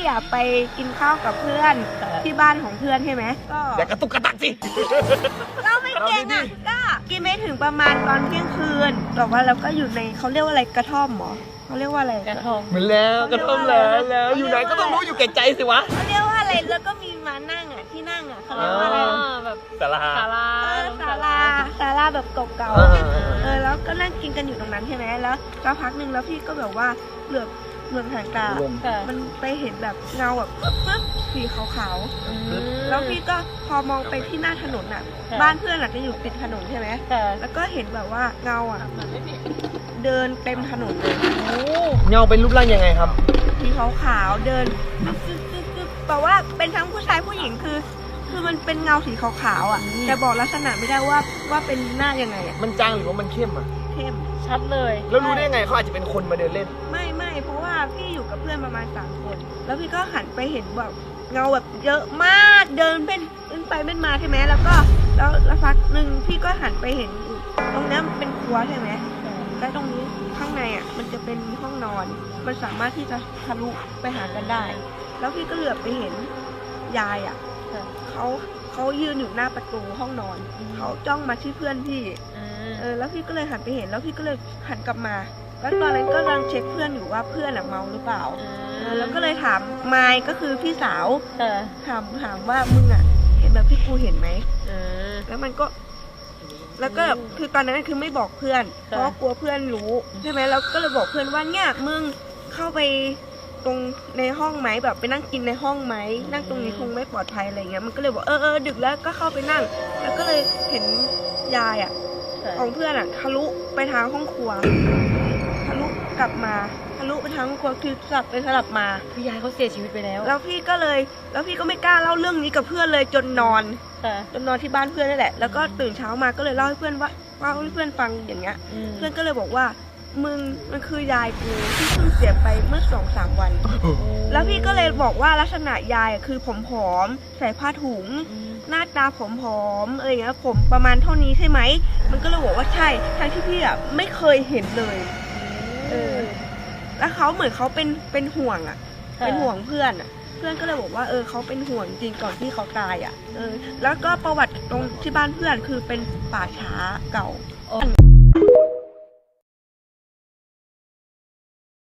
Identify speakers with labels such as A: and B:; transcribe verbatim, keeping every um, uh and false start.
A: อ่ะไปกินข้าวกับเพื่อนที่บ้านของเพื่อนใช่ไหมก็
B: อย่ากระตุกกระตักสิ
A: เราไม่เก่งอ่ะก็กินไม่ถึงประมาณตอนเที่ยงคืนแต่ว่าเราก็อยู่ในเขาเรียกว่าอะไรกระท่อมหรอเขาเรียกว่าอะไรกระท่อม
B: เหมือนแล้วกระท่อมแล้วแล้วอยู่ไหนก็ต้องรู้อยู่แก่ใจสิวะ
A: เขาเรียกว่าอะไรแล้วก็มีมานั่งอ่ะที่นั่งอ่ะเขาเรียกว่าอะไร
C: แบบ
B: ศาลา
C: ศาลา
A: ศาลาศาลาแบบเก่าๆเออแล้วก็นั่งกินกันอยู่ตรงนั้นใช่ไหมแล้วสักพักหนึ่งแล้วพี่ก็แบบว่าเหลือบเหลือบหางตามันไปเห็นแบบเงาแบบปึ๊บปึ๊บสีขาวๆแล้วพี่ก็พอมองไปที่หน้าถนนอ่ะบ้านเพื่อนอ่ะจะอยู่ติดถนนใช่ไหมแล้วก็เห็นแบบว่าเงาอ่ะเดินเต็มถนนเลย
B: เงาเป็นรูปร่างยังไงครับ
A: สีขาวๆเดินซึ๊บซึ๊บซึ๊บแปลว่าเป็นทั้งผู้ชายผู้หญิงคือคือมันเป็นเงาสีขาวๆอ่ะแต่บอกลักษณะไม่ได้ว่าว่าเป็นหน้ายังไงอ่ะ
B: มันจางหรือว่ามันเข้มอ่ะ
A: เข้ม
C: ชัดเลย
B: แล้วรู้ได้ยังไงเขาอาจจะเป็นคนมาเดินเล่น
A: ไม่ไม่เพราะว่าพี่อยู่กับเพื่อนประมาณสามคนแล้วพี่ก็หันไปเห็นแบบเงาแบบเยอะมากเดินเป็นเป็นไปเป็นมาใช่ไหมแล้วก็แล้วแล้วพักหนึ่งพี่ก็หันไปเห็นตรงนี้มันเป็นครัวใช่ไหมและตรงนี้ข้างในอ่ะมันจะเป็นห้องนอนมันสามารถที่จะทะลุไปหากันได้แล้วพี่ก็เหลือบไปเห็นยายอ่ะเขาเขายืนอยู่หน้าประตูห้องนอนเขาจ้องมาที่เพื่อนพี่เออแล้วพี่ก็เลยหันไปเห็นแล้วพี่ก็เลยหันกลับมาแล้วตอนนั้นก็กำลังเช็คเพื่อนอยู่ว่าเพื่อนเมาหรือเปล่าเออแล้วก็เลยถามไมค์ก็คือพี่สาวถามถามว่ามึงอ่ะเห็นแบบพี่กูเห็นไหมแล้วมันก็แล้วก็คือตอนนั้นคือไม่บอกเพื่อนเพราะกลัวเพื่อนรู้ใช่ไหมแล้วก็เลยบอกเพื่อนว่าเนี่ยมึงเข้าไปตรงในห้องไหมแบบไปนั่งกินในห้องไหมนั่งตรงนี้คงไม่ปลอดภัยอะไรเงี้ยมันก็เลยบอกเออเออดึกแล้วก็เข้าไปนั่งแล้วก็เลยเห็นยายอ่ะของเพื่อนอ่ะทะลุไปทางห้องครัวทะลุกลับมาทะลุไปทางห้องครัวคือสลับไปสลับมา
C: คือยายเขาเสียชีวิตไปแล้ว
A: แล้วพี่ก็เลยแล้วพี่ก็ไม่กล้าเล่าเรื่องนี้กับเพื่อนเลยจนนอนจนนอนที่บ้านเพื่อนนั่นแหละแล้วก็ตื่นเช้ามาก็เลยเล่าให้เพื่อนว่าเล่าให้เพื่อนฟังอย่างเงี้ยเพื่อนก็เลยบอกว่ามึงมันคือยายกูที่เพิ่งเสียไปเมื่อสองสามวันแล้วพี่ก็เลยบอกว่าลักษณะยายคือผอมๆใส่ผ้าถุงหน้าตาผอมๆอะไรเงี้ยผมประมาณเท่านี้ใช่ไหมมันก็เลยบอกว่าใช่ทั้งที่พี่อ่ะไม่เคยเห็นเลยเออแล้วเขาเหมือนเขาเป็นเป็นห่วงอ่ะเป็นห่วงเพื่อนอ่ะเพื่อนก็เลยบอกว่าเออเขาเป็นห่วงจริงก่อนที่เขาตายอ่ะเออแล้วก็ประวัติตรงที่บ้านเพื่อนคือเป็นป่าช้าเก่า